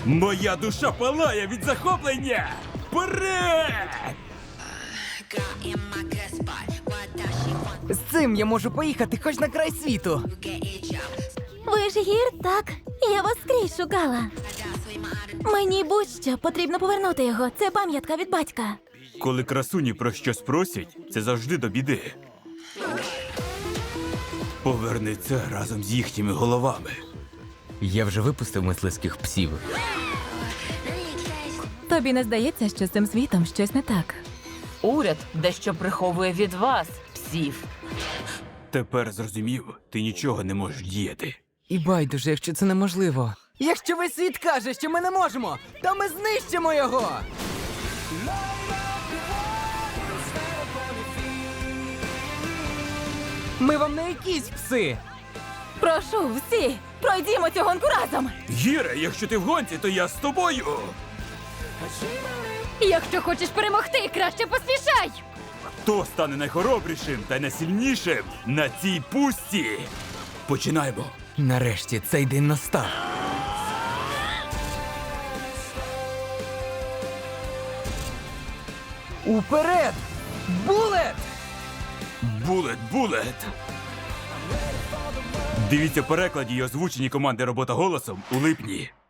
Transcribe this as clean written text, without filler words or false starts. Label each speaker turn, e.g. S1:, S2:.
S1: Моя душа палає від захоплення! Вперед!
S2: З цим я можу поїхати хоч на край світу.
S3: Ви ж гір, так? Я вас скрізь шукала. Мені будь-що, потрібно повернути його. Це пам'ятка від батька.
S1: Коли красуні про щось просять, це завжди до біди. Поверни це разом з їхніми головами.
S2: Я вже випустив мисливських псів.
S3: Тобі не здається, що з цим світом щось не так?
S4: Уряд дещо приховує від вас, псів.
S1: Тепер зрозумів, ти нічого не можеш діяти.
S2: І байдуже, якщо це неможливо. Якщо весь світ каже, що ми не можемо, то ми знищимо його! Ми вам не якісь пси!
S3: Прошу, всі, пройдімо цю гонку разом!
S1: Гіре, якщо ти в гонці, то я з тобою!
S3: Якщо хочеш перемогти, краще поспішай!
S1: Хто стане найхоробрішим та найсильнішим на цій пустці? Починаємо.
S2: Нарешті цей день настав. Уперед! Булет!
S1: Булет, булет! Дивіться в перекладі і озвучені команди «Робота голосом» у липні.